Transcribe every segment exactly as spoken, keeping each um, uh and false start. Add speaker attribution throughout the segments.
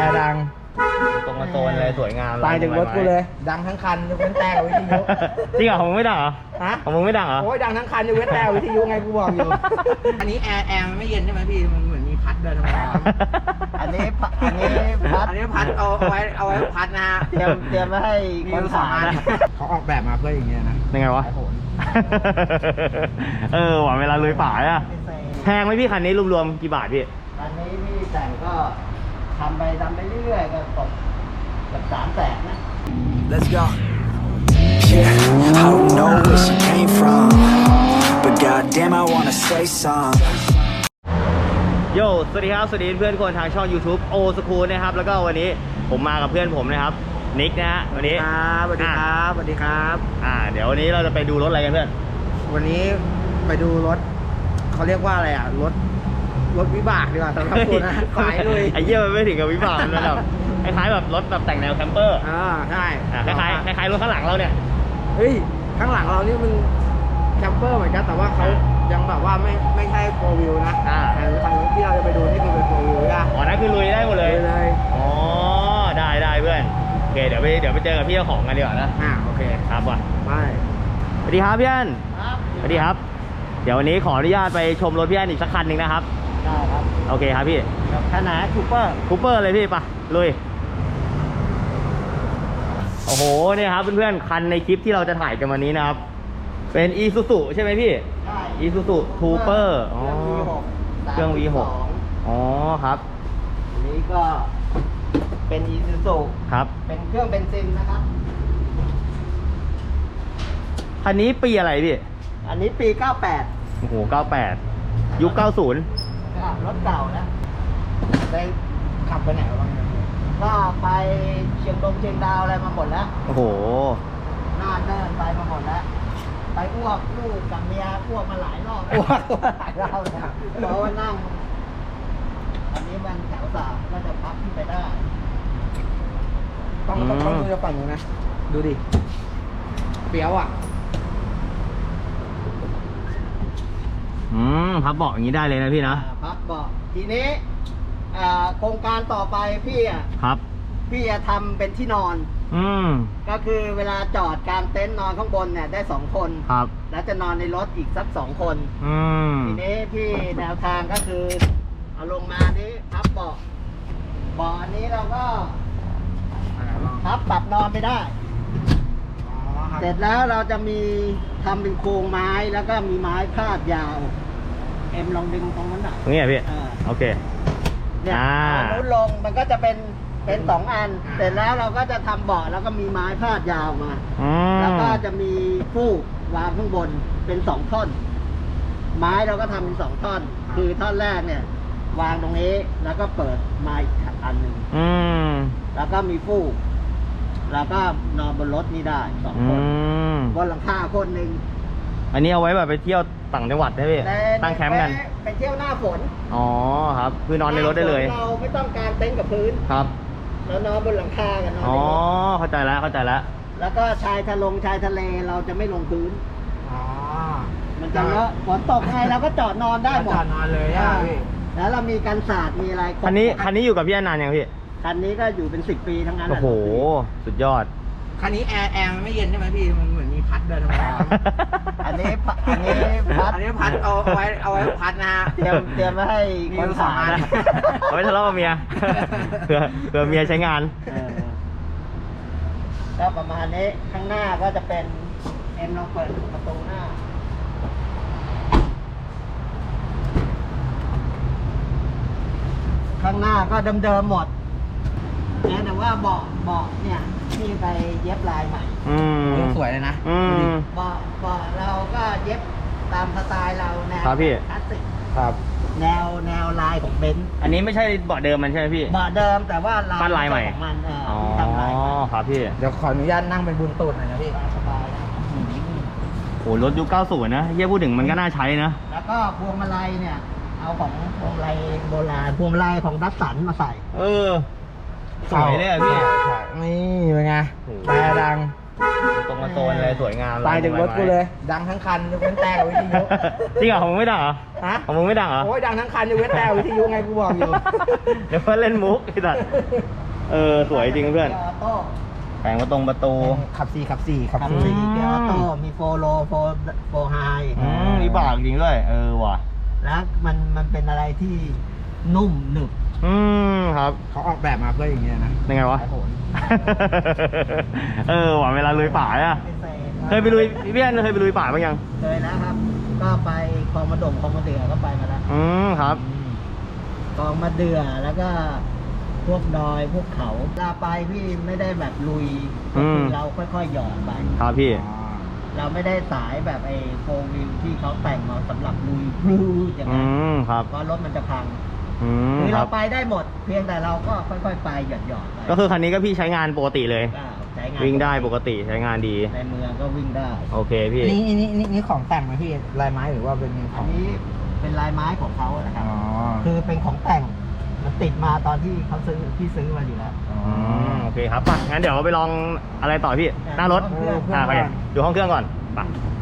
Speaker 1: ดัง
Speaker 2: ตรงมาโซนเลยสวยงาม
Speaker 1: ตายถึงรถกูเลยดังทั้งคันยกเว้นแต่วิทยุ
Speaker 2: จริงเหรอของมึงไม่ดังเหรอ
Speaker 1: ฮะ
Speaker 2: ของมึงไม่ดังเหรอ
Speaker 1: โอ้ยดังทั้งคันยกเว้นแต่วิทยุไงกูบอกอยู่อันนี้แอร์แอร์มันไม่เย็นใช่ไหมพี่มันเหมือนมีพัดด้วยทำไม
Speaker 3: อันนี้อันนี้พัด
Speaker 1: อันนี้พัดเอาไว้เอาไว้พัดนะฮะ
Speaker 3: เตรียมเตรียมไว้ให้คนขายนะ
Speaker 1: เขาออกแบบมาเพื่ออย่างเงี้ยนะ
Speaker 2: ยังไงวะเออหวังเวลาลุยป่าอะแพงไหมพี่คันนี้รวมๆกี่บาทพี่
Speaker 3: คันนี้พี่แต่งก็ทำไปทำไปเรื่อยๆก็ตกกับสามแสนนะ
Speaker 4: Let's go Yeah I don't know where she came from But goddamn I wanna say some
Speaker 2: โยสวัสดีครับสวัสดีเพื่อนคนทางช่อง YouTube โอสคูลนะครับแล้วก็วันนี้ผมมากับเพื่อนผมนะครับนิกนะฮะวันนี้
Speaker 1: ครับสวัสดีครับสวัสดีครับ
Speaker 2: อ่าเดี๋ยววันนี้เราจะไปดูรถอะไรกันเพื่อน
Speaker 1: วันนี้ไปดูรถเขาเรียกว่าอะไรอ่ะรถรถวิบากดีกว่าสำหรับคุณนะขายเลย
Speaker 2: ไอ้เหี้ยมันไม่ถึงกับวิบากมันแบบคล้ายๆแบบรถแบบแต่งแนวแคมเปอร์
Speaker 1: อ่าใช่
Speaker 2: คล้ายๆคล้ายๆรถข้างหลังเราเนี่ย
Speaker 1: เฮ้ยข้างหลังเรานี่มันแคมเปอร์เหมือนกันแต่ว่าเขายังแบบว่าไม่ไม่ใช่โฟร์วิวนะ
Speaker 2: อ่า
Speaker 1: คันที่เราจะไปดูนี่คือเป็นโฟร์วิวนะ
Speaker 2: อ๋อนั่นคือลุยได้หมดเลย
Speaker 1: เลย
Speaker 2: อ๋อได้ได้เพื่อนโอเคเดี๋ยวไปเดี๋ยวไปเจอกับพี่เจ้าของกันดีกว่านะ
Speaker 1: อ่าโอเค
Speaker 2: ครับว่ะ
Speaker 1: ไป
Speaker 2: สวัสดีครับพี่อันสวัสดีครับเดี๋ยววันนี้ขออนุญาตไปชมรถพี่อันอีกสักคันหนึ่งนะครับ
Speaker 3: ได้ครับ
Speaker 2: โอเคครับพี่
Speaker 3: คันไหนคูเปอร์
Speaker 2: คูเปอร์เลยพี่ปะลุยโอ้โหเนี่ยครับเพื่อนๆคันในคลิปที่เราจะถ่ายกันวันนี้นะครับเป็น Isuzu ใช่ไหมพี่
Speaker 3: ใช่
Speaker 2: Isuzu Trooper อ๋อเครื่อง วี หก อ๋อครับ
Speaker 3: อันนี้ก็เป็น Isuzu
Speaker 2: ครับ
Speaker 3: เป็นเครื่องเบนซินนะครับ
Speaker 2: คันนี้ปีอะไรพี่
Speaker 3: อันนี้ปีเก้าแปด
Speaker 2: โอ้โหเก้าแปดยุคเก้าสิบ
Speaker 3: รถเก่านะ
Speaker 1: ได้ขับไปไหนบ้าง
Speaker 3: ก็ไปเชียงดงเชียงดาวอะไรมาหมดแล้ว
Speaker 2: โอ้โห
Speaker 3: น่าเดินไปมาหมดแล้วไปอ้วกลูกกับเมียอ้วกมาหลายรอบ
Speaker 1: อ้วกหลายรอบเลย
Speaker 3: เพราะว่านั่งอันนี้มันแถวสามก็จะพับขึ้นไปได้
Speaker 1: ต้องต้องต้องดูจะฝั่งนู้นนะดูดิเปียวอ่ะ
Speaker 2: อืมพับเบาะอย่างนี้ได้เลยนะพี่นะ
Speaker 3: พับเบาะทีนี้โครงการต่อไปพี่อ่ะ
Speaker 2: ครับ
Speaker 3: พี่จะทำเป็นที่นอน
Speaker 2: อืม
Speaker 3: ก็คือเวลาจอดกลางเต็นท์นอนข้างบนเนี่ยได้สองคน
Speaker 2: ครับ
Speaker 3: แล้วจะนอนในรถอีกสักสองคน
Speaker 2: อืม
Speaker 3: ทีนี้พี่แนวทางก็คือเอาลงมานี้พับเบาะเบาะอันนี้เราก็พับปรับนอนไปได้เสร็จแล้วเราจะมีทำเป็นโครงไม้แล้วก็มีไม้พาดยาวเอ็มลองดึงตรงนั้นหน่อย
Speaker 2: ตรงนี้พี่โอเค
Speaker 3: เนี่ยเอานุ้นลงมันก็จะเป็นเป็นสองอันเสร็จแล้วเราก็จะทำเบาะแล้วก็มีไม้พาดยาวมาแล้วก็จะมีฟูกวางข้างบนเป็นสองท่อนไม้เราก็ทำเป็นสองท่อนคือท่อนแรกเนี่ยวางตรงนี้แล้วก็เปิดไม้อันหนึ่งแล้วก็มีฟูกแล้วก็นอนบนรถนี่ได้สองคนบนหลังคาคนหนึ่ง
Speaker 2: อันนี้เอาไว้แบบไปเที่ยวต่างจังหวัดได้ไหมตั้งแคมป์กัน
Speaker 3: ไปเที่ยวหน้าฝน
Speaker 2: อ๋อครับคือนอนในรถได้เลย
Speaker 3: เราไม่ต้องการเต็นท์กับพื้น
Speaker 2: ครับ
Speaker 3: แล้วนอนบนหลังคากันนอน
Speaker 2: อ๋อเข้าใจแล้วเข้าใจแล้ว
Speaker 3: แล้วก็ชายทะลงชายทะเลเราจะไม่ลงพื้นอ๋อมันจะเลอะฝนตกไงเราก็จอดนอนได้หมด
Speaker 1: จอดนอนเลยอ่ะพี่
Speaker 3: แล้วเรามีกันศาสตร์มีอะไร
Speaker 2: คันนี้คันนี้อยู่กับพี่นานยังพี่
Speaker 3: คันนี้ก็อยู่เป็นสิบปีทั้งนั้น
Speaker 2: โอ้โหสุดยอด
Speaker 1: คันนี้แอร์แอร์มันไม่เย็นใช่ไหมพี่มันเหมือนมีพัดด้วยทำไม
Speaker 3: อันนี้อันนี้พัด
Speaker 1: อันนี้พัดเอาไว้เอาไว้พัดนะฮะ
Speaker 3: เตรียมเตรียมไว้ให้คนขาย
Speaker 2: เอาไว้ทะเลาะกับเมียเผื่อเผื่อเมียใช้งาน
Speaker 3: ก็ประมาณนี้ข้างหน้าก็จะเป็นเอ็มลองเปิดประตูหน้าข้างหน้าก็เดิมๆหมดแต่ว่าเบาะเบาะเนี่ยที่ไปเย็บลายใหม่
Speaker 1: สวยเลยนะ
Speaker 3: เบาะเบาะเราก็เย็บตามสไตล์เราแนวคลาสสิก
Speaker 1: ครับ
Speaker 3: แนวแนวลายของเบนซ์
Speaker 2: อันนี้ไม่ใช่เบาะเดิมมันใช่ไหมพี่
Speaker 3: เบาะเดิมแต่ว่า
Speaker 2: ลายลายใหม่
Speaker 3: ของมัน
Speaker 2: อ๋อครับพี่
Speaker 1: เดี๋ยวขออนุญาตนั่งเป็นบุญตูดหน่อยนะพี่
Speaker 3: สบายนะ
Speaker 2: โอ้รถยุคเก้าสิบนะเฮียพูดถึงมันก็น่าใช้นะ
Speaker 3: แล้วก็พวงมาลัยเนี่ยเอาของพวงมาลัยโบราณพวงมาลัยของดัสสันมาใส่
Speaker 2: เออสวยเลยอ่ะพี่
Speaker 1: นี่เป็นไงแต่ดัง
Speaker 2: ตรงมาโซนอะไรสวยงาม
Speaker 1: ตายถึงรถกูเลย ดังทั้งคันยกเว้นแต่กับวิทยุ
Speaker 2: จริงเหรอของมึงไม่ดังเหรอ
Speaker 1: ฮะ
Speaker 2: ของมึงไม่ดังเหรอ
Speaker 1: โอ้ยดังทั้งคันยกเว้นแต่กับวิทยุไงกูบอกอยู่
Speaker 2: เดี๋ยวเพื่อนเล่นมุกไอ้สัสเออสวยจริงเพื่อน
Speaker 3: ออโต้
Speaker 2: แปลงมาตรงประตู
Speaker 1: ขับสี่ขับสี่ขับ
Speaker 3: ขับ
Speaker 1: สี่
Speaker 3: สี่เกียร์ออโต้มีโฟโลโฟโฟไฮ
Speaker 2: อืมวิบากจริงด้วยเออว่ะ
Speaker 3: แล้วมันมันเป็นอะไรที่นุ่มหนึบ
Speaker 2: อืมครับ
Speaker 1: เขาออกแบบมาเพื่ออย่างเงี้ยนะ
Speaker 2: ยังไงวะ
Speaker 1: โอ้โห
Speaker 2: เออว่ะเวลาลุยป่าอ่ะ
Speaker 3: พิเศษ
Speaker 2: เคยไปลุยพี่แอนเคยไปลุยป่าบ้างยัง
Speaker 3: เคยแล้วครับ ก็ไปคลองมะดมคลองมะเดื่อก็ไปมาแล้ว
Speaker 2: อืมครับ
Speaker 3: คลองมะเดื่อแล้วก็พวกดอยพวกเขาเวลาไปพี่ไม่ได้แบบลุยก็คือเราค่อยๆหย่อนไป
Speaker 2: ครับพี่
Speaker 3: เราไม่ได้สายแบบไอ้โฟวิลที่เขาแต่งมาสำหรับลุยพลูอย่าง
Speaker 2: อื
Speaker 3: นั้น
Speaker 2: มครับ
Speaker 3: เพราะรถมันจะพัง
Speaker 2: อืม
Speaker 3: คือ
Speaker 2: ค
Speaker 3: เรา
Speaker 2: รับ
Speaker 3: ไปได้หมด เพียงแต่เราก็ค่อยๆไปหย่อนๆไป
Speaker 2: ก็คือคันนี้ก็พี่ใช้งานปกติเลย
Speaker 3: ก็ใช้งาน
Speaker 2: วิ่งได้ปกติใช้งานดี
Speaker 3: ในเมืองก็วิ่งได้
Speaker 2: โอเคพี่
Speaker 1: นี่นี่นี่นี่ของแต่งไหมพี่ลายไม้หรือว่าเป็นข
Speaker 3: อั
Speaker 1: อนง
Speaker 3: นี้เป็นลายไม้ของเขานะครับ
Speaker 1: อ๋อ
Speaker 3: คือเป็นของแต่งมันติดมาตอนที่เขาซื้อพี่ซื้อมาอยู่แล้ว
Speaker 2: อืมโอเคครับไปงั้นเดี๋ยวไปลองอะไรต่อพี่ หน้ารถ
Speaker 3: ห้องเครื่อง
Speaker 2: อ่าไปดูห้องเครื่องก่อนไป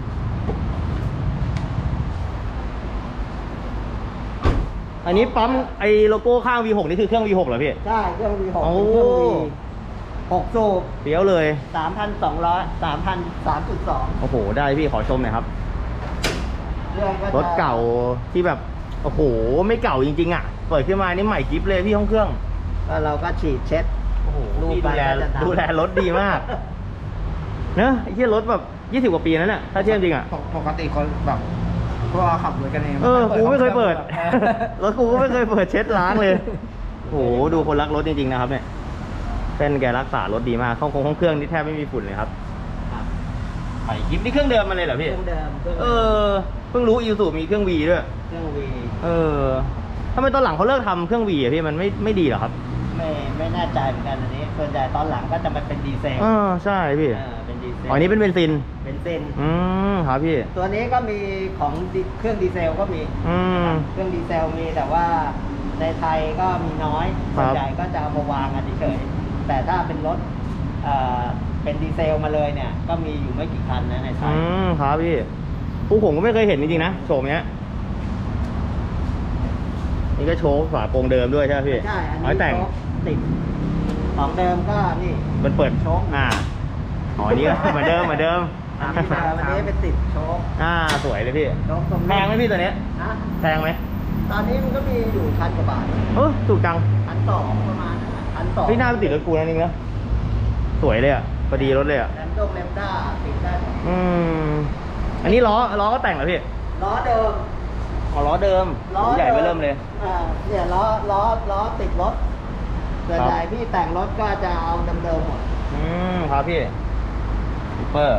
Speaker 2: อันนี้ปั๊มไอ้โลโก้ข้าง วี หก นี่คือเครื่อง วี หก เหรอพี่
Speaker 3: ใช่เครื่อง วี หก
Speaker 2: โอ้
Speaker 3: เป็นเครื่อง วี หกสูบ
Speaker 2: เดี๋ยวเลย
Speaker 3: สามพันสองร้อย สามพันสามจุดสอง
Speaker 2: โอ้โห ได้พี่ขอชมหน่อยครับ
Speaker 3: เรื่องก็จะ
Speaker 2: รถเก่าที่แบบ โอ้โห ไม่เก่าจริงๆอ่ะ เปิดขึ้นมานี่ใหม่กิ๊บเลยพี่ห้องเครื่อง
Speaker 3: ก็เราก็ฉีดเช็ด
Speaker 2: โอ้โห
Speaker 3: ดู
Speaker 2: พี่
Speaker 3: ไป
Speaker 2: ดูแล
Speaker 3: ก็จะดำ
Speaker 2: ดูแลรถดีมาก เนอะไอ้เหี้ยรถแบบยี่สิบกว่าปีนั้นน่ะถ้าเทียบจริงอ่ะ
Speaker 1: ปกติคนแบบพวกขับรถกันเอง
Speaker 2: เออ กูไม่เคยเปิด
Speaker 1: ออ
Speaker 2: รถกูก็ไม่เคยเปิดเช็ดล้างเลย โอ้โห ดูคนรักรถจริงๆนะครับเนี่ยเส้นแกรักษารถดีมากห้องคงห้องเครื่องนี่แทบไม่มีฝุ่นเลยครับ
Speaker 3: ครับ
Speaker 2: ใหม่กิ๊บนี่เครื่องเดิมมันเลยเหรอ
Speaker 3: เค
Speaker 2: พี่
Speaker 3: รื่องเดิมเครื่อง
Speaker 2: เออ เพิ่งรู้อีซูมีเครื่องวีด้วย
Speaker 3: เครื่องวี
Speaker 2: เออทำไมตอนหลังเขาเลิกทำเครื่องวีอะพี่มันไม่ไม่ดีเหรอครับ
Speaker 3: ไม่ไม่แน่ใจเหมือนกันอันนี้ ส่วนใหญ่ตอนหลังก็จะมาเป็นดีเซล
Speaker 2: เออใช่พี่
Speaker 3: เออเป็นดีเซล
Speaker 2: อ๋ออันนี้เป็นเบนซิน
Speaker 3: เป็นเส้น
Speaker 2: อืมครับพี่
Speaker 3: ตัวนี้ก็มีของดิเครื่องดีเซลก็มี
Speaker 2: อืม
Speaker 3: เครื่องดีเซลมีแต่ว่าในไทยก็มีน้อย
Speaker 2: ครั
Speaker 3: ส่
Speaker 2: บ
Speaker 3: วนใหญ่ก็จะเอามาวางกันเฉยๆแต่ถ้าเป็นรถเอ่อเป็นดีเซลมาเลยเนี่ย ก็มีอยู่ไม่กี่คันนะในไท
Speaker 2: อื
Speaker 3: ย
Speaker 2: มครับพี่ผู้ผมก็ไม่เคยเห็นจริงๆนะโฉมเนี้ยนี่ก็โชว์ฝาโปรงเดิมด้วยใช่ไหมพี่
Speaker 3: ใช่ อัน
Speaker 2: อ๋อ
Speaker 3: นี้
Speaker 2: แต่ง
Speaker 3: โชคติดของเดิมก็นี่
Speaker 2: มันเปิด
Speaker 3: โชค
Speaker 2: อ่าอ๋ออันนี้ก็ เหมือนเดิมเหมือนเดิม
Speaker 3: อันนี้เดิมอันนี้เป็นติดโชค
Speaker 2: อ่าสวยเลยพี่
Speaker 3: โชคตรง
Speaker 2: แพงไหมพี่ตัวเนี้ย
Speaker 3: นะ
Speaker 2: แพงไหม
Speaker 3: ตอนนี้มันก็มีอยู่พันกว่าบาท
Speaker 2: เออถูกจัง
Speaker 3: พันสองประมาณนั้นพันสอง
Speaker 2: พี่หน้าไปติดรถกูนั่นเองนะสวยเลยอ่ะพอดีรถเลยอ่ะ
Speaker 3: แรมโดงแรมด้าติดได้หมด
Speaker 2: อืมอันนี้ล้อล้อก็แต่งเหรอพี่
Speaker 3: ล้อเดิม
Speaker 2: อ๋อล้อเดิม
Speaker 3: ล้อ
Speaker 2: ใหญ่ไปเริ่มเลย
Speaker 3: อ่าเนี่ยล้อล้อล้อติดรถส่วน
Speaker 2: ครับ
Speaker 3: ใหญ่พี่แต่งรถก็จะเอาเดิมๆหมด
Speaker 2: อืมครับพี่ซูเปอร์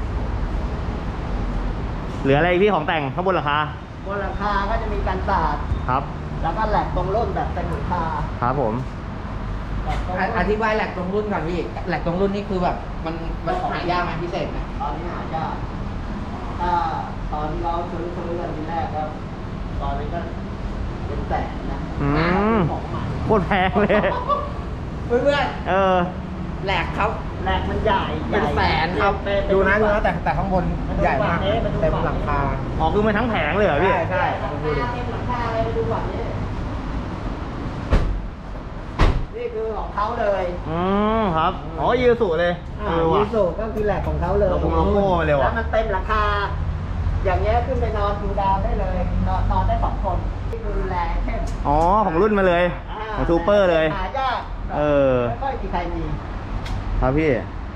Speaker 2: เหลืออะไรอีกพี่ของแต่งข้างบนราคา
Speaker 3: บนหลังคาก็จะมีกันสาด
Speaker 2: ครับ
Speaker 3: แล้วก็แหลกตรงรุ่นแบบเต็มหลังคา
Speaker 2: ครับผม
Speaker 3: แบบตรง
Speaker 1: อ่ะ
Speaker 3: รุ่น
Speaker 1: อธิบายแหลกตรงรุ่นก่อนพี่แหลกตรงรุ่นนี่คือแบบมันมันหายากไหมพิเศษไหม
Speaker 3: ตอนนี้หายากถ้าตอนเราซื้อซื้อกันทีแรกก็ตอนนี้ก็เป็นแสนนะ
Speaker 2: อืม
Speaker 3: ของใหม่
Speaker 2: โคตรแพงเลย
Speaker 1: เพื่อน
Speaker 2: เออ
Speaker 1: ๆแหลกครับ
Speaker 3: แหลกมันใหญ่
Speaker 1: เป็นแสนครับ
Speaker 3: เป็
Speaker 1: ดูนะดู
Speaker 3: เป็
Speaker 1: นะแต่แต่ข้างบนใหญ่มากเต็มหลังคา
Speaker 2: อ๋อคือมันทั้งแผงเลยเหรอพี่
Speaker 1: ใช่ใช่
Speaker 3: หลังคาเต็มหลังคาเลยไปดูก่อนนี่นี่คือของเขาเลย
Speaker 2: อืมครับ อ๋อยูสุเลยเออ
Speaker 3: ยู
Speaker 2: ว่ะ
Speaker 3: สุก็คือแหลกของเขาเลย
Speaker 2: โลโก้โลโก้มาเลยว่ะ
Speaker 3: แล้วมันเต็มหลังคา อย่างเงี้ยขึ้นไปนอนดูดาวได้เลย นอนนอนได้สองคนนี่คือแรงเข้ม
Speaker 2: อ๋อของรุ่นมาเลย
Speaker 3: า
Speaker 2: ของซูเปอร์เลย
Speaker 3: หายาก
Speaker 2: เออ
Speaker 3: ไม่ค่อยมีใครมี
Speaker 2: ครับพี่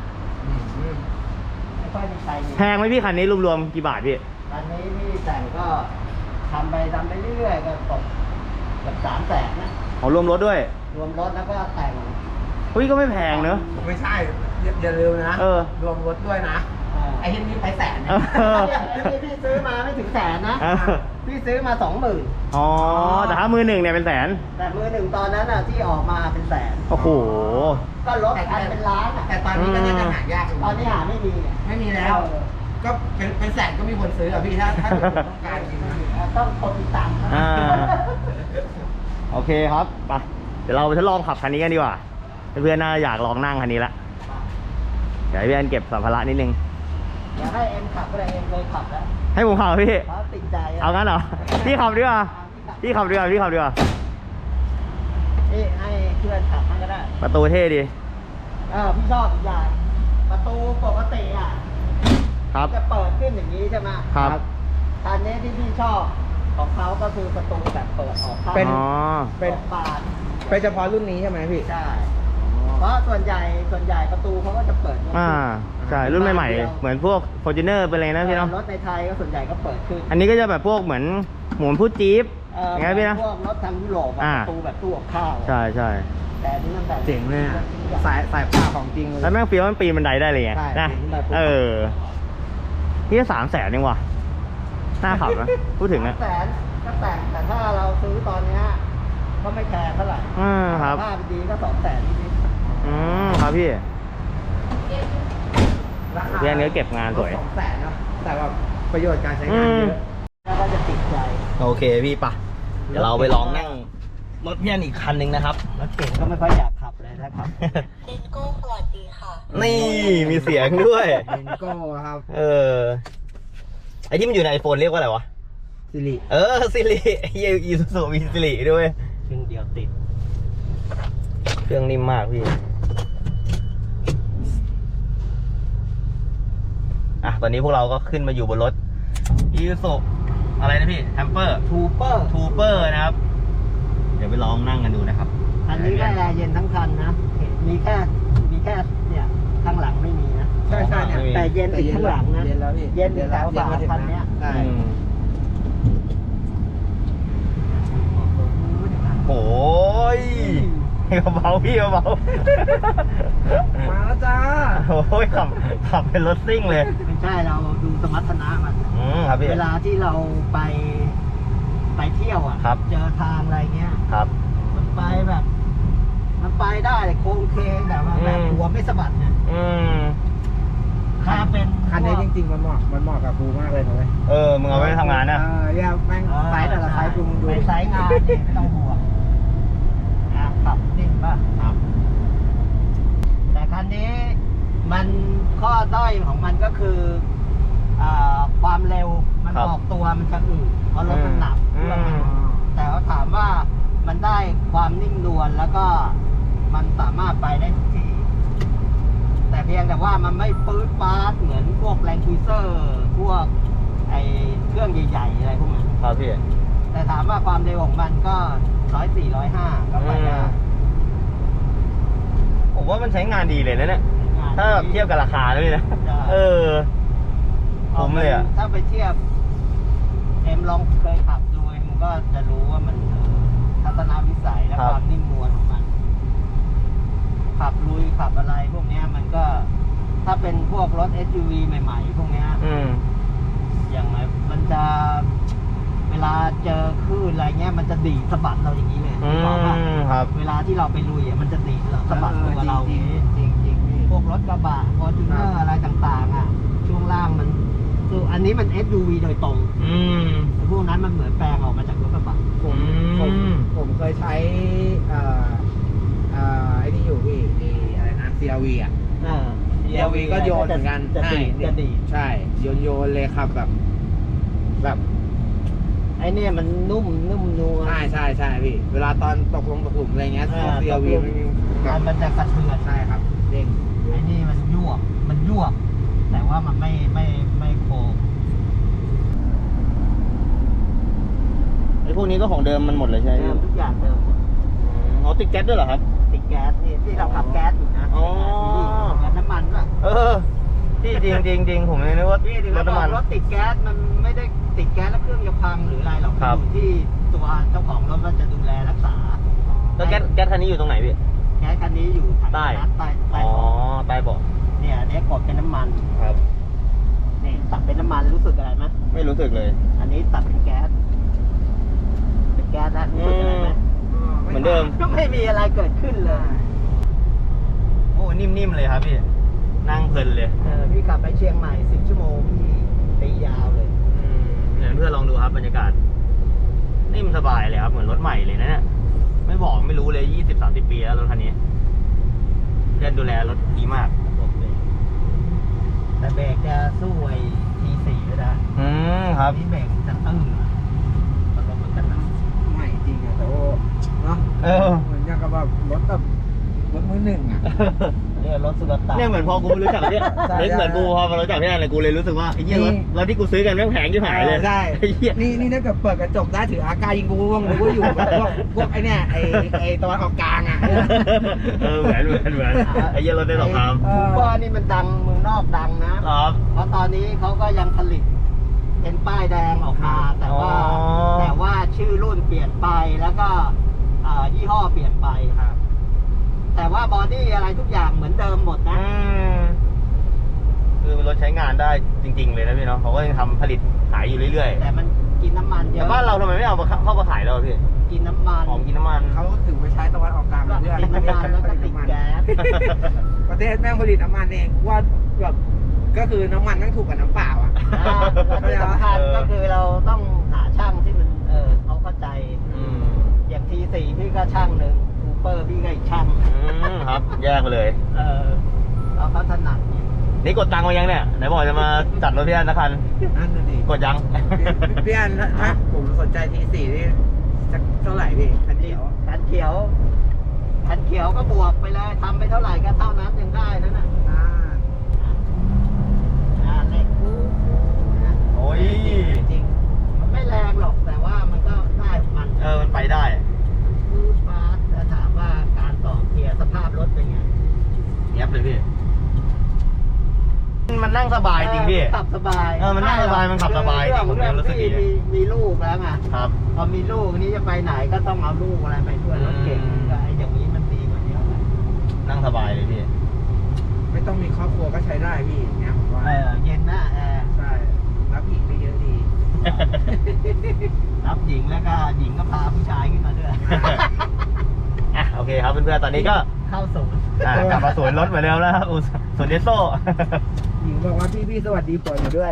Speaker 3: ไม่ค่อยมีใครมี
Speaker 2: แพงไหมพี่คันนี้รวมๆกี่บาทพี่
Speaker 3: อันนี้พี่แต่งก็ทำไปทำไปเรื่อยๆก็ตกเกับสามแสนนะ
Speaker 2: อ๋อรวมรถด้วย
Speaker 3: รวมรถแล้วก็แต่ง
Speaker 2: เฮ้ยก็ไม่แพงเนอะ
Speaker 1: ไม่ใช่อย่าอย่าลืมนะ
Speaker 2: เออ
Speaker 1: รวมรถด้วยนะ
Speaker 3: อ่า
Speaker 1: ไอ้ที่นี่ไปแสน
Speaker 2: เอ
Speaker 1: นะ
Speaker 2: อ
Speaker 3: นี่พี่ซื้อมาไม่ถึงแสนนะ
Speaker 2: เออ
Speaker 3: พี่ซื้อมาสองหมื่น
Speaker 2: อ๋อ แต่ถ้ามือหนึ่งเนี่ยเป็นแสน
Speaker 3: แต่มือหนึ่งตอนนั้นอ่ะที่ออกมาเป็นแสน
Speaker 2: โอ้โห
Speaker 3: ก็รถคันเป็นล้านอ่ะ
Speaker 1: แต่ตอนนี้ก็น่าจะหายากยู่
Speaker 3: ตอนนี้หาไม่มีไง
Speaker 1: ไม่มีแล้ว ก็เป็นเป็นแสนก็มีคนซื้ออ่ะพี่ถ้าถ้าเกิดคุณต้องการจริงนะ
Speaker 3: ต้องคนติดตาม
Speaker 2: อ่า โอเคครับไปเดี๋ยวเราไปทดลองขับคันนี้กันดีกว่า เพื่อนๆน่าอยากลองนั่งคันนี้ละเดี๋ยวให้พี่แอนเก็บสัมภาระนิดนึง
Speaker 3: อยากให้เอ็มขับก็ได้เอ็มเคยขับแล้ว
Speaker 2: ให้ผมขับพี่
Speaker 3: เขาติดใจะ
Speaker 2: เอางั้นเหรอ พี่ขับดีกว่าพี่ขับดีกว่าพี่ขับดีกว่า
Speaker 3: นี่ให้เพื่อนขับให้ก็ได้
Speaker 2: ประตูเท่ดี
Speaker 3: เออพี่ชอบอีกอย่างประตูปกติอ่ะ
Speaker 2: ครับ
Speaker 3: จะเปิดขึ้นอย่างนี้ใช่ไหม
Speaker 2: ครับ
Speaker 3: คันนี้ที่พี่ชอบของเขาก็คือประตูแบบเปิดออกข้าง
Speaker 1: เป็น
Speaker 2: อ๋อ
Speaker 1: เป็น
Speaker 3: ออกบาน
Speaker 1: เป็นเฉพาะรุ่นนี้ใช่ไหมพี่
Speaker 3: ใช่ เพราะส่วนใหญ่ส่วนใหญ่ประตูเขาก็จะเปิด
Speaker 2: อ่าใช่รุ่นใหม่ๆเหมือนพวก Fortuner เป็นอะไรนะพี่เนาะ
Speaker 3: รถในไทยก็ส่วนใหญ่ก็เปิดขึ้น
Speaker 2: อันนี้ก็จะแบบพวกเหมือนหมุนพูดจี๊ป
Speaker 3: เออ
Speaker 2: อย่างไงพี่นะ
Speaker 3: พวกรถทางยุโรปอะ
Speaker 2: อ่า
Speaker 3: ประตูแบบตู้กับข้าวอะ
Speaker 2: ใช่ใช่
Speaker 3: แต่อันนี้มันแบบ
Speaker 1: เจ๋งเลยอะสายสายผ้าของจริงเลย
Speaker 2: แล้วแม่งเฟี้ยวมันปีนบันไดได้เลยไง
Speaker 1: ใช่
Speaker 2: นะ
Speaker 1: ปีนบันได
Speaker 2: เออนี่สามแสนเองว่ะน่าขับนะพูดถึงอะ
Speaker 3: แสนก็แต่งแต่ถ้าเราซื้อตอนเนี้ยก็ไม่แพงเท่าไหร่
Speaker 2: อืมครับ
Speaker 3: ถ้าดีก็สองแสนนิด
Speaker 2: อืมครับพี่
Speaker 1: ราคา
Speaker 2: พี่แอนก็เก็บงานสวย
Speaker 1: สองแสนเนาะแต่ว่าประโยชน์การใช้งานเยอะ
Speaker 3: ๆแล้วก็จะติดใจ
Speaker 2: โอเคพี่ปะเดี๋ยวเราไปลองนั่งรถพี่แอนอีกคันหนึ่งนะครับ
Speaker 3: รถเก่งก็ไม่ค่อยอยากขับเลยนะครับ
Speaker 5: เดนโก้สวัสดีค่ะ
Speaker 2: นี่มีเสียงด้วย
Speaker 1: เอ็นโก้ครับ
Speaker 2: เออไอที่มันอยู่ในไอโฟนเรียกว่าอะไรวะ
Speaker 1: สิริ
Speaker 2: เออซิริเฮียอีซูซูมีซิริด้วย
Speaker 3: ครึ่งเดียวติด
Speaker 2: เครื่องนิ่มมากพี่ อ่ะ ตอนนี้พวกเราก็ขึ้นมาอยู่บนรถอีซูซูอะไรนะพี่แฮมเปอร์
Speaker 3: ทูเปอร์
Speaker 2: ทูเปอร์นะครับ เดี๋ยวไปลองนั่งกันดูนะครับ
Speaker 3: อันนี้ก็แอร์เย็นทั้งคันนะ มีแค่มีแค่เนี่ยข้างหลังไม่มีนะ
Speaker 1: ใช่ใช่เนี่ย
Speaker 2: ไม่มี
Speaker 3: แต่เย็นติดข้างหลังนะ
Speaker 1: เย็นแล้วพี่
Speaker 3: เย็นติดแถวฝาคันเนี้ย
Speaker 1: ใช่
Speaker 2: อืมโอ้ยเบาๆพี่เบา
Speaker 1: มาแล้วจ้า
Speaker 2: ๆโอ้ยขับขับเป็นรถซิ่งเลย
Speaker 3: ไม่ใช่เราดูสมรรถนะมัน
Speaker 2: อืมครับพี่
Speaker 3: เวลาที่เราไปไปเที่ยวอ่ะ
Speaker 2: ครับ
Speaker 3: เจอทางอะไรเงี้ย
Speaker 2: ครับ
Speaker 3: มันไปแบบ มันไปได้โค้งเคงแบบว่าแบบ
Speaker 2: อืม
Speaker 3: หัวไม่สะบัดเนี่ย
Speaker 2: อืม
Speaker 3: ถ้าเป็น
Speaker 1: คันนี้จริงๆมันเหมาะมันเหมาะกับกูมากเลยนะเว้ย
Speaker 2: เออ มึงเอาไว้ทำงานนะ
Speaker 1: เออเนี่ยแม่งไซส์แต่ละไซส์กูมึงดู
Speaker 3: ไปไซส์งานเนี่ยไม่ต้องห่วงอ่ะขับนิ่งป่ะ
Speaker 2: ครับ
Speaker 3: แต่คันนี้มันข้อด้อยของมันก็คืออ่าความเร็วมัน
Speaker 2: ครับ
Speaker 3: ออกตัวมันจะอืดเพราะรถมันหนัก
Speaker 2: อื
Speaker 3: เครื่องมัน
Speaker 2: ม
Speaker 3: แต่ว่าถามว่ามันได้ความนิ่งนวลแล้วก็มันสามารถไปได้ทุกที่ แต่เพียงแต่ว่ามันไม่ปื๊ดป๊าดเหมือนพวกแรงคูเซอร์พวกไอเครื่องใหญ่ๆอะไรพวกนั้น
Speaker 2: ครับพี่
Speaker 3: แต่ถามว่าความเร็วของมันก็ร้อยสี่ร้อยห้าก็ไปได้
Speaker 2: ผมว่ามันใช้งานดีเลยนะเนี่ย ถ้าแบบเทียบกับราคาด้วยนะ
Speaker 3: ใช่
Speaker 2: เออ ผมเลยอ่ะ
Speaker 3: ถ้าไปเทียบเอ็มลองเคยขับดูเอ็มก็จะรู้ว่ามันเออทัศนวิสัยและ
Speaker 2: ครับ
Speaker 3: ความนิ่มนวลของมัน ขับลุยขับอะไรพวกเนี้ยมันก็ถ้าเป็นพวกรถ เอส ยู วี ใหม่ๆ พวกเนี้ย
Speaker 2: อืม
Speaker 3: อย่างไรมันจะเวลาเจอคลื่นอะไรเงี้ยมันจะดีดสะบัดเราอย่างนี้เลย
Speaker 2: อื
Speaker 3: นึกออกปะ
Speaker 2: มครับ
Speaker 3: เวลาที่เราไปลุยอ่ะมันจะดีดเราสะบัดตัวเราอย่างนี้
Speaker 1: จริงจริงๆพี่
Speaker 3: พวกรถกระบะฟอร์จูเนอร์อะไรต่างๆอ่ะช่วงล่างมันคืออันนี้มัน เอส ยู วี โดยตรง
Speaker 2: อืม
Speaker 3: แต่พวกนั้นมันเหมือนแปลงออกมาจากรถกระบะ
Speaker 1: ผมผม
Speaker 2: อืม
Speaker 1: ผมเคยใช้เอ่อเอ่อไอ้นี่อยู่พี่ไอ้อะไรนะ ซี อาร์ วี อ่ะ
Speaker 3: อ่า
Speaker 1: ซี อาร์ วี ก็โยนเหมือนกัน
Speaker 3: จะดีด
Speaker 1: ใช่
Speaker 3: จะดีด
Speaker 1: ใช่โยนโยนเลยครับแบบ แบบ
Speaker 3: ไอ้เนี่ยมันนุ่มนุ่มนัว
Speaker 1: ใช่ใช่ใช่พี่ เวลาตอนตกลงตกหลุมอะไรเงี้ย
Speaker 3: อ่า
Speaker 1: ซี อาร์ วี
Speaker 3: ตกหลุม
Speaker 1: มันมีแบ
Speaker 3: มั
Speaker 1: บ
Speaker 3: นมันจะกระเทือน
Speaker 1: ใช่ครับเด้ง
Speaker 3: ไอ้นี่มันยวบมันยวบแต่ว่ามันไม่ไม่ไม่โค้ง
Speaker 2: ไอ้พวกนี้ก็ของเดิมมันหมดเลยใช่ไหม
Speaker 3: เดิมทุกอย่างเดิมหมด
Speaker 2: เขาติดแก๊สด้วยเหรอครับ
Speaker 3: ติดแก๊สนี่ที่เราขับแก๊สอยู่นะ
Speaker 2: อ๋อ
Speaker 3: แก๊สน้ำมันป่ะ
Speaker 2: เออที่จริงจริงจริงผมเลยนึกว่า
Speaker 3: พี่ถึง
Speaker 2: ร
Speaker 3: แล้
Speaker 2: ถ
Speaker 3: ว
Speaker 2: น้ำมัน
Speaker 3: รถติดแก๊สมันไม่ได้ติดแก๊สแล้วเครื่องจะพังหรืออะไรหรอก
Speaker 2: ครับ
Speaker 3: อยู่ที่ตัวเจ้าของรถว่าจะดูแลรักษา
Speaker 2: แล้วแก๊สแก๊สคันนี้อยู่ตรงไหนพี่
Speaker 3: แก๊สคันนี้อยู่ถัง
Speaker 2: ใต้
Speaker 3: น้ำใต้ใต้
Speaker 2: อ๋อ
Speaker 3: เบาะ
Speaker 2: ใต้เบาะ
Speaker 3: เนี่ยอันนี้กดเป็นน้ำมัน
Speaker 2: ครับ
Speaker 3: นี่ตัดเป็นน้ำมันรู้สึกอะไรไหม
Speaker 2: ไม่รู้สึกเลย
Speaker 3: อันนี้ตัดเป็นแก๊สเป็นแก๊สแล้วรู้สึกอะไรไหม
Speaker 2: เหมือนเดิม
Speaker 3: ก็ไม่มีอะไรเกิดขึ้นเลย
Speaker 2: โอ้นิ่มๆเลยครับพี่ นั่งเพลินเลย
Speaker 3: เออพี่ขับไปเชียงใหม่สิบชั่วโมงพี่ตียาวเลย
Speaker 2: อืมเดี๋ยวเพื่อนลองดูครับบรรยากาศ นิ่มสบายเลยครับเหมือนรถใหม่เลยนะเนี่ยไม่บอกไม่รู้เลยยี่สิบสามสิบปีแล้วรถคันนี้เพื่อนดูแลรถดีมาก
Speaker 3: ผมเลยแต่เบรกจะสู้ไอ้ทีสี่ไม่ได้
Speaker 2: อืมครับ
Speaker 3: นี่เบรกจะตื้อมันก็มันจะหนัก
Speaker 1: ใหม่จริงอะแต่ว่าเนาะ
Speaker 2: เออ
Speaker 1: เหมือนอย่างกับแบบรถแบบรถมือหนึ่งอะ
Speaker 3: เนี่ยรถสุลต่าน
Speaker 2: เนี่ยเหมือนพอกูรู้จักเนี่ย
Speaker 1: ใช่
Speaker 2: เล็กเหมือนกูพอมารู้จักพี่แอนเลยกูเลยรู้สึกว่าไอ้เหี้ยรถ
Speaker 1: นี่
Speaker 2: รถที่กูซื้อกันแม่งแพงที่หายเลย
Speaker 1: ใช่
Speaker 2: ไอ้เหี้ย
Speaker 1: นี่นี่ถ้าเกิดเปิดกระจกได้ถืออากายิงกูว่างกูก็อยู่แบบพวกพวกไอ้เนี่ยไอ้ไอ้ตะวันออกกลางอะ
Speaker 2: เออเหมือนเหมือนเหมือนไอ้เหี้ยรถได้สองคำ
Speaker 1: เอ
Speaker 3: คู
Speaker 1: อ
Speaker 3: เปอร์นี่มันดังเมืองนอกดังนะ
Speaker 2: ครับ
Speaker 3: เพราะตอนนี้เขาก็ยังผลิตเป็นป้ายแดงออกมา แต่ว่า
Speaker 2: อ๋อ
Speaker 3: แต่ว่าชื่อรุ่นเปลี่ยนไปแล้วก็เอ่อยี่ห้อเปลี่ยนไปครับ แต่ว่าบอดี้อะไรทุกอย่างเหมือนเดิมหมดนะ
Speaker 2: อืมคือรถใช้งานได้จริง ๆ เลยนะพี่เนาะเขาก็ยังทำผลิตขายอยู่เรื่อย
Speaker 3: แต่มันกินน้ำมัน
Speaker 2: ๆ
Speaker 3: เย
Speaker 2: แต่
Speaker 3: อะ
Speaker 2: บ้านเราทำไมไม่เอามาเข้ามาขายเราพี่
Speaker 3: กินน้ำมัน
Speaker 2: หอมกินน้ำมัน
Speaker 1: เขาถือไปใช้ตะวันออกกลาง
Speaker 3: ก็
Speaker 1: เรื่อย
Speaker 3: กินน้ำมันแล้วก็ติดแก๊ส
Speaker 1: ประเทศแม่งผลิตน้ำมันเองว่าแบบก็คือน้ำมันแม่งถูกกว่าน้ำเปล่าอ่ะ
Speaker 3: นะและที่สำคัญก็คือเราต้องหาช่างที่มันเออเขาเข้าใจ
Speaker 2: อืม
Speaker 3: อย่างทีสี่พี่ก็ช่างหนึ่งคูเปอร์พี่ก็อีกช่าง
Speaker 2: อืมครับ แยกไปเลย
Speaker 3: เออเราเขาถนัดเนี่ย
Speaker 2: นี่กดตังค์มายังเนี่ยไหนบอกจะมาจัดรถพี่แอนสักคัน
Speaker 1: นั่นน่ะดิ
Speaker 2: กดยัง
Speaker 1: พี่อันถ้าถ้าผมสนใจทีสี่นี่จะเท่าไหร่พี่คันเดียว
Speaker 3: คันเขียวคันเขียวก็บวกไปเลยทำไปเท่าไหร่ก็เท่านั้นยังได้นั่นน่ะ
Speaker 1: อ่า
Speaker 3: อ่าเลขคู่นะ
Speaker 2: โอ้ย
Speaker 1: จริง
Speaker 3: มันไม่แรงหรอกแต่ว่ามันก็ได้ของมัน
Speaker 2: เออมันไปได้
Speaker 3: คือฟาสแต่ถามว่าการต่อเกียร์สภาพรถเป็นไง
Speaker 2: เย็บเลยพี่ มันนั่งสบายจริงพี่
Speaker 3: ขับสบาย
Speaker 2: เออมันนั่งสบายมันขับสบายจริงผม
Speaker 3: เรื่อง
Speaker 2: รู้สึกดี
Speaker 3: ที่มีมีลูกแล้วไง
Speaker 2: ครับ
Speaker 3: พอมีลูกนี้จะไปไหนก็ต้องเอาลูกอะไรไปด้วยรถเก่ง
Speaker 2: อืม
Speaker 3: ก็ไอ้อย่างนี้มันดีกว่าเยอะเลย
Speaker 2: นั่งสบายเลยพี่
Speaker 1: ไม่ต้องมีครอบครัวก็ใช้ได้พี่อย่างเงี้ยผมว่า
Speaker 3: เออเย็นหน้าแอร์
Speaker 1: ใช่รับอีกได้เยอะดี
Speaker 3: รับหญิงแล้วก็หญิงก็พาผู้ชายขึ้นมาด้วย
Speaker 2: อ่ะโอเคครับเพื่อนๆตอนนี้ก็
Speaker 3: เข้าศูนย์
Speaker 2: อ่ะกลับมาสวนรถเหมือนเดิมแล้วครับอุสสวนเดสโซ่
Speaker 1: หญิงบอกว่าพี่พี่สวัสดีผัวหนูด้วย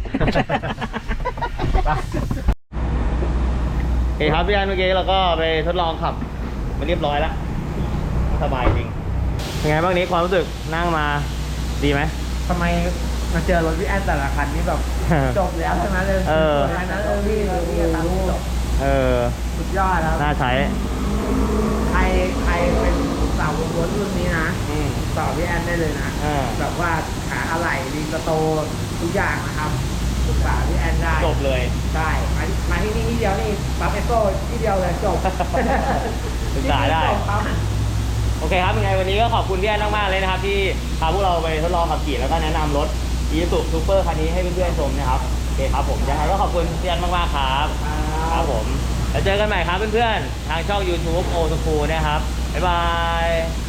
Speaker 2: โอเคครับพี่อันเมื่อกี้เราก็ไปทดลองขับมาเรียบร้อยแล้วสบายจริงเป็นไงบ้างนี้ความรู้สึกนั่งมาดีไหม
Speaker 1: ทำไมมาเจอรถพี่แอนแต่ละคันนี่แบบจบแล้วใช่ไหมเลย
Speaker 2: เออ
Speaker 1: คันนั้นเออพี่พี่จะทำให้จบ
Speaker 2: เออ
Speaker 1: สุดยอดครับ
Speaker 2: น่าใช้
Speaker 1: ใครใครเป็นสาววงรถรุ่นนี้นะ
Speaker 2: อืม
Speaker 1: ต่อพี่แอนได้เลยนะ
Speaker 2: อ่า
Speaker 1: แบบว่าหาอะไรรีสโตร์ทุกอย่างนะครับปรึกษาพี่แอนได้
Speaker 2: จบเลย
Speaker 1: ใช่มาที่มาที่นี่ที่เดียวนี่ปั๊มเอสโซ่ที่เดียวเลยจบ
Speaker 2: ปรึกษาได้
Speaker 1: จบปั๊ม
Speaker 2: โอเคครับยังไงวันนี้ก็ขอบคุณพี่แอนมากๆเลยนะครับที่พาพวกเราไปทดลองขับขี่แล้วก็แนะนำรถ Isuzu Super คันนี้ให้เพื่อนๆชมนะครับโอเคครับผมยังไงก็ขอบคุณพี่แอนมากๆครับครับผมแล้วเจอกันใหม่ครับเพื่อนๆทางช่อง YouTube โอ สคูลนะครับบ๊ายบาย